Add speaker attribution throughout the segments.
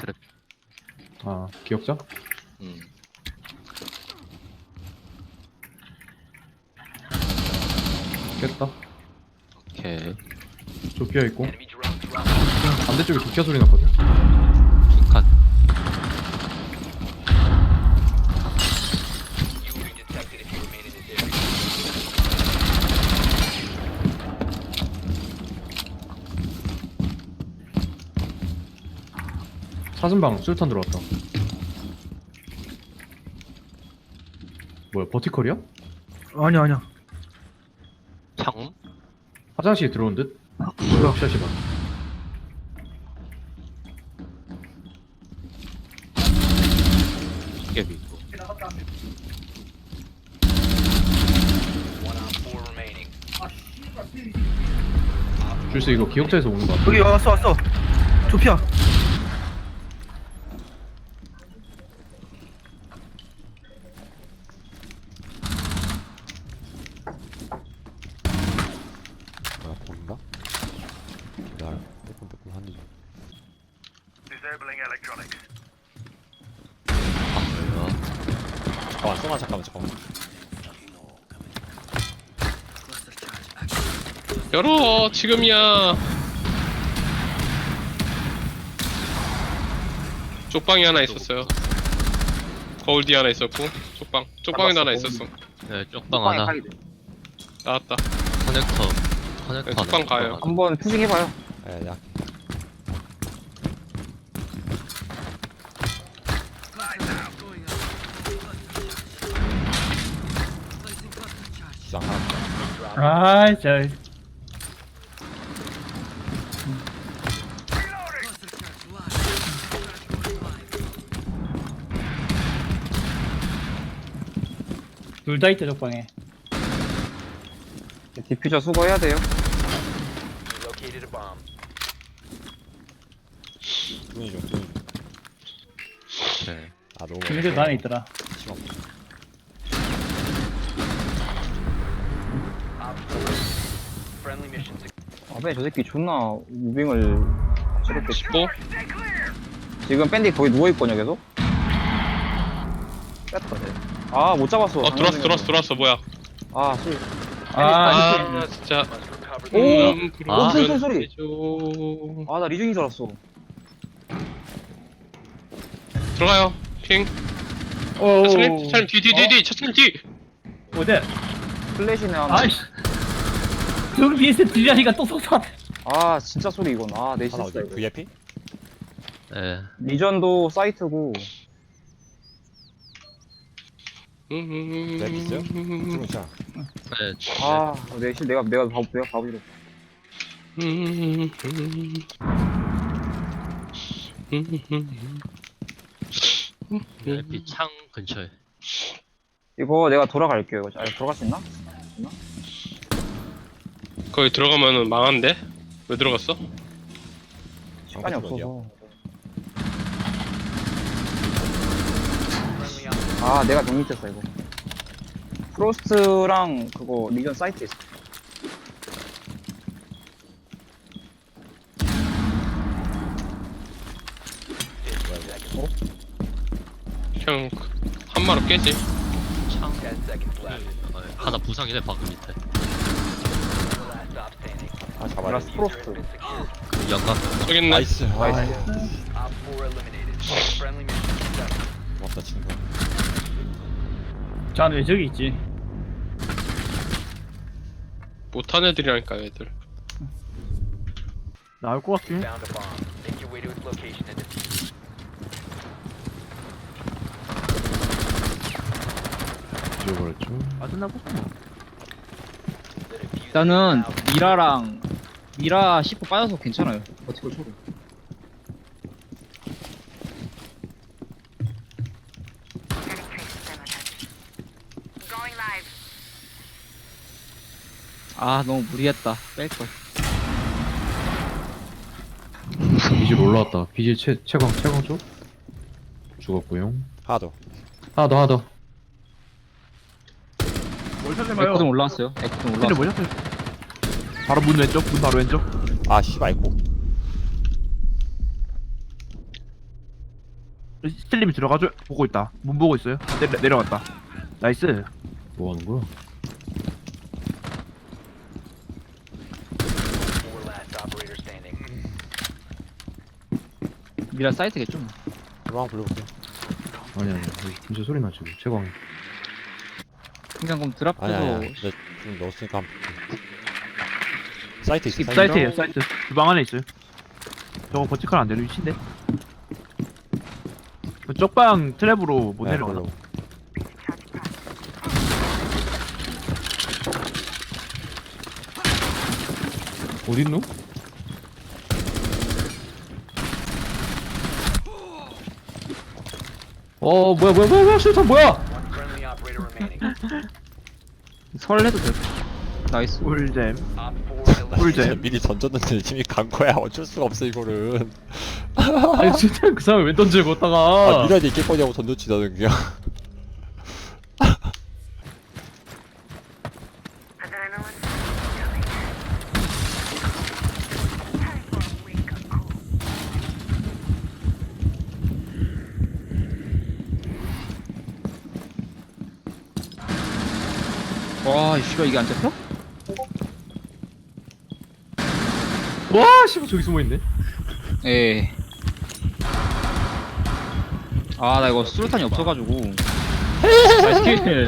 Speaker 1: 트랩.
Speaker 2: 아, 기억자?
Speaker 1: 음.
Speaker 2: 깼다.
Speaker 1: 오케이.
Speaker 2: 조피아 있고. 반대쪽에 조피아 소리 났거든.
Speaker 1: 킹칸.
Speaker 2: 사슴방 술탄 들어왔다. 뭐야, 버티컬이야?
Speaker 3: 아니야 아니야.
Speaker 1: 창?
Speaker 2: 화장실에 들어온 듯?
Speaker 3: 뭐야?
Speaker 2: 샷이다.
Speaker 1: 시계비 있고.
Speaker 2: 줄수 이거 기억자에서 오는 거 같아.
Speaker 3: 여기 왔어. 조피아.
Speaker 4: 뭐야 보인다? 기다려 빼꼼빼꼼 하는 중.
Speaker 1: 뭐야?
Speaker 4: 잠깐만.
Speaker 5: 열어 지금이야. 쪽방이 하나 있었어요. 거울 뒤 하나 있었고 쪽방에도 하나 있었어.
Speaker 1: 네, 쪽방 하나.
Speaker 5: 나왔다.
Speaker 1: 커넥터.
Speaker 5: 네, 쪽방 가요.
Speaker 3: 한번 푸싱해봐요.
Speaker 4: 야 주장 하나.
Speaker 3: 아이 잘. 둘 다 있다 적방에. 디퓨저 수거해야 돼요.
Speaker 4: 뚜니 좀.
Speaker 1: 네.
Speaker 4: 아 너무.
Speaker 3: 걔네들도 안에 있더라.
Speaker 4: 심한.
Speaker 3: 아베 저 새끼 존나 무빙을 저렇게
Speaker 5: 15?
Speaker 3: 지금 밴디 거기 누워있거든요 계속? 뺐다 아못 잡았어.
Speaker 5: 들어왔어 뭐야.
Speaker 3: 아 씨.
Speaker 5: 아 진짜.
Speaker 3: 오!
Speaker 5: 그러면
Speaker 3: 소리.
Speaker 5: 되죠.
Speaker 3: 아 나 리중인 줄 알았어.
Speaker 5: 들어가요. 핑. 차차님 뒤. 차차님 뒤.
Speaker 3: 어디? 플래시네 하나. 아이씨. 저기 BS 들리니까 또 속삭. 아 진짜 소리 이건. 아 내
Speaker 4: 하나
Speaker 3: 실수다
Speaker 4: 어디?
Speaker 3: 이거.
Speaker 4: VIP?
Speaker 1: 네.
Speaker 3: 리전도 사이트고.
Speaker 4: 랩 있어요? 뚜니 자.
Speaker 1: 네.
Speaker 3: 내 실 내가 바보지로.
Speaker 1: VIP 창 근처에.
Speaker 3: 이거 내가 돌아갈게요. 이거. 돌아갈 수 있나?
Speaker 5: 거기 들어가면은 망한데? 왜 들어갔어?
Speaker 3: 시간이 없어서. 아 내가 정립했어 이거. 프로스트랑 그거 리전 사이트 있어.
Speaker 5: 그냥 한마로 깨지.
Speaker 1: 창. 하나 부상이네 방금 밑에.
Speaker 4: 아 잡아야
Speaker 3: 플러스
Speaker 4: 돼.
Speaker 3: 프로스트.
Speaker 1: 그 연각.
Speaker 5: 저기 있네.
Speaker 4: 나이스.
Speaker 3: 나이스.
Speaker 4: 고맙다 친구.
Speaker 3: 짠 왜 저기 있지?
Speaker 5: 못한 애들이라니까 애들.
Speaker 3: 나올 것 같긴 해.
Speaker 2: 잊어버렸죠.
Speaker 6: 일단은 미라 10% 빠져서 괜찮아요. 버티컬 초로. 아 너무 무리했다. 뺄걸.
Speaker 2: 비질 올라왔다. 비질 채광 쪽? 죽었고요.
Speaker 4: 하나 더.
Speaker 2: 하나 더.
Speaker 6: 에코든 올라왔어요. 에코든 올라왔어요.
Speaker 3: 바로 문 왼쪽, 문 바로 왼쪽.
Speaker 4: 아 씨발 이코.
Speaker 7: 스틸님이 들어가줘. 보고 있다. 문 보고 있어요. 내려갔다. 나이스.
Speaker 2: 뭐 하는 거야?
Speaker 6: 미라 사이트겠죠 뭐.
Speaker 4: 한번 불러볼게요.
Speaker 2: 아니 아니 여기 진짜 소리 나지 채광.
Speaker 6: 그냥 그럼
Speaker 4: 아니
Speaker 6: 드랍해서
Speaker 4: 아니 좀 넣었으니까 한번 볼게. 사이트 있어.
Speaker 7: 사이트에요. 사이트. 주방 안에 있어요. 저거 버티컬 안 되는 위치인데. 그 쪽방 트랩으로 못 내려가나?
Speaker 2: 어딨노? 뭐야 실탄 뭐야?
Speaker 6: 설레도 돼. 나이스.
Speaker 7: 꿀잼.
Speaker 4: 진짜
Speaker 7: 꿀잼.
Speaker 4: 미리 던졌는데 팀이 간 거야. 어쩔 수가 없어 이거는.
Speaker 2: 아니 실탄 그 사람 왜 던지고
Speaker 4: 아
Speaker 2: 있다가
Speaker 4: 미라지 있겠거니 하고 던졌지 나는 그냥.
Speaker 6: 와, 씨발 이게 안 잡혀?
Speaker 2: 와 씨발 저기 숨어있네.
Speaker 6: 예. 아, 나 이거 수류탄이 없어가지고. 나이스 킬.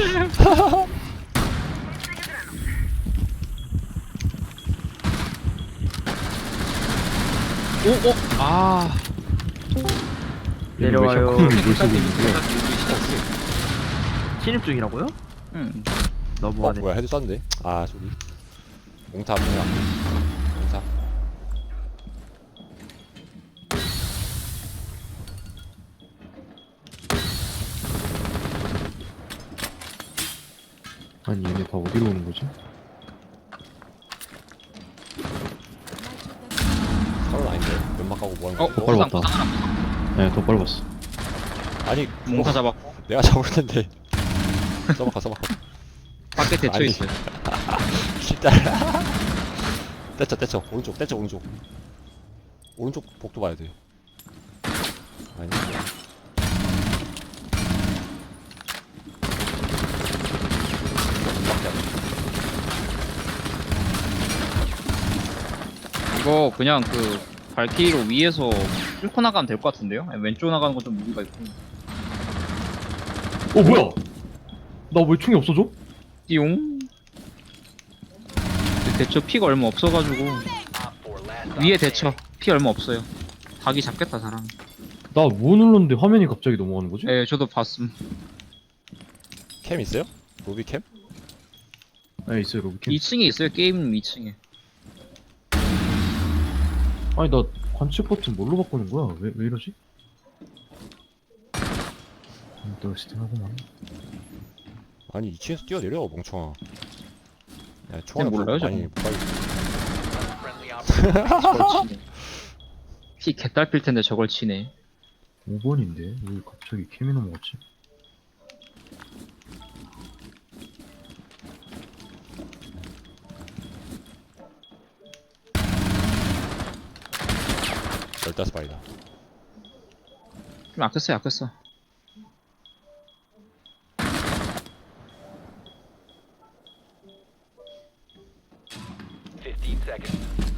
Speaker 6: 오, 아.
Speaker 7: 내려와요.
Speaker 2: 물속에
Speaker 7: 진입 중이라고요?
Speaker 6: 응.
Speaker 7: 너무하네.
Speaker 4: 뭐야 헤드 쐈는데? 아 소리. 몽탑 뭐야? 몽탑.
Speaker 2: 아니 얘네 다 어디로 오는 거지?
Speaker 4: 서른 아닌데 연막 가고 뭐 하는 거야?
Speaker 2: 빨리 왔다. 네더 빨리 왔어.
Speaker 4: 아니
Speaker 6: 몽타 잡았고.
Speaker 4: 내가 잡을 텐데. 써박아.
Speaker 6: 밖에 대처
Speaker 4: 아니.
Speaker 6: 있어요.
Speaker 4: 진짜. 떼쳐 오른쪽. 오른쪽 복도 봐야 돼. 아니.
Speaker 6: 이거 그냥 그 발키리로 위에서 뚫고 나가면 될 것 같은데요? 아니, 왼쪽 나가는 건 좀 무리가 있고.
Speaker 2: 뭐야? 나 왜 총이 없어져?
Speaker 6: 띠용. 대처 피가 얼마 없어가지고 위에 대처 피 얼마 없어요. 닭이 잡겠다 사람.
Speaker 2: 나 뭐 눌렀는데 화면이 갑자기 넘어가는 거지?
Speaker 6: 예, 저도 봤음.
Speaker 4: 캠 있어요? 로비 캠?
Speaker 2: 네 있어요 로비캠.
Speaker 6: 2층에 있어요. 게임 2층에.
Speaker 2: 아니 나 관측 버튼 뭘로 바꾸는 거야? 왜 이러지? 또 시팅하고만.
Speaker 4: 아니 2층에서 뛰어내려 멍청아. 야
Speaker 6: 그냥
Speaker 4: 총알
Speaker 6: 몰라요,
Speaker 4: 많이 못 빨리.
Speaker 6: 저걸 치네. 피 개딸필 텐데 저걸 치네.
Speaker 2: 5번인데 왜 갑자기 캠이 넘어갔지?
Speaker 4: 열다섯 발이다.
Speaker 6: 좀 아꼈어.
Speaker 8: 15 seconds.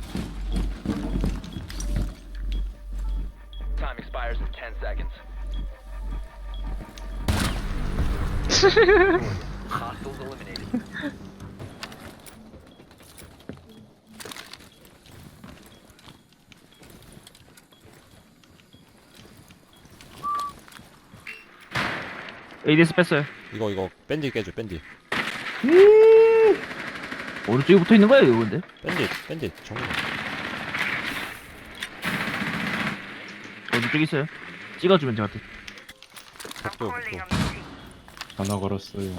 Speaker 8: Time expires in 10 seconds. Hostiles eliminated.
Speaker 7: ADS 뺐어요.
Speaker 4: 이거 밴디 깨줘 밴디.
Speaker 7: 오른쪽에 붙어 있는 거예요, 이거 근데?
Speaker 4: 밴디 정면.
Speaker 7: 오른쪽에 있어요. 찍어주면 저한테.
Speaker 4: 복도.
Speaker 2: 하나 걸었어요.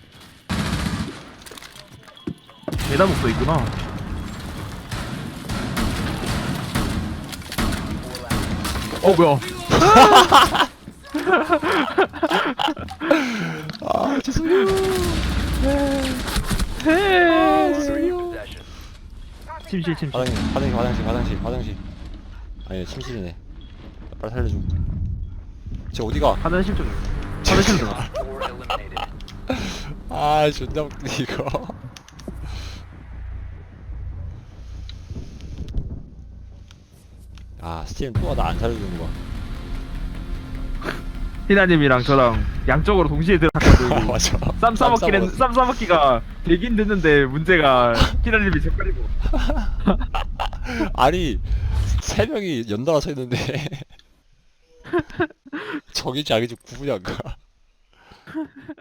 Speaker 7: 계단 목도 있구나. 뭐야?
Speaker 4: 아 죄송해요.
Speaker 8: Possession.
Speaker 7: 침실.
Speaker 4: 화장실. 아니 침실이네. 빨리 살려줘. 쟤 어디가?
Speaker 7: 화장실 좀 화장실 좀
Speaker 8: Op 4 eliminated.
Speaker 4: 아 존나 웃기네 이거. 아 스팀 또 나 안 살려주는 거야.
Speaker 7: 희나님이랑 저랑 양쪽으로 동시에 들어갔거든.
Speaker 4: 맞아.
Speaker 7: 쌈 싸먹기는 쌈 싸먹기가 되긴 됐는데 문제가 희나님이 젓가리고.
Speaker 4: 아니 세 명이 연달아 서 있는데 적인지 아닌지 구분이 안 가.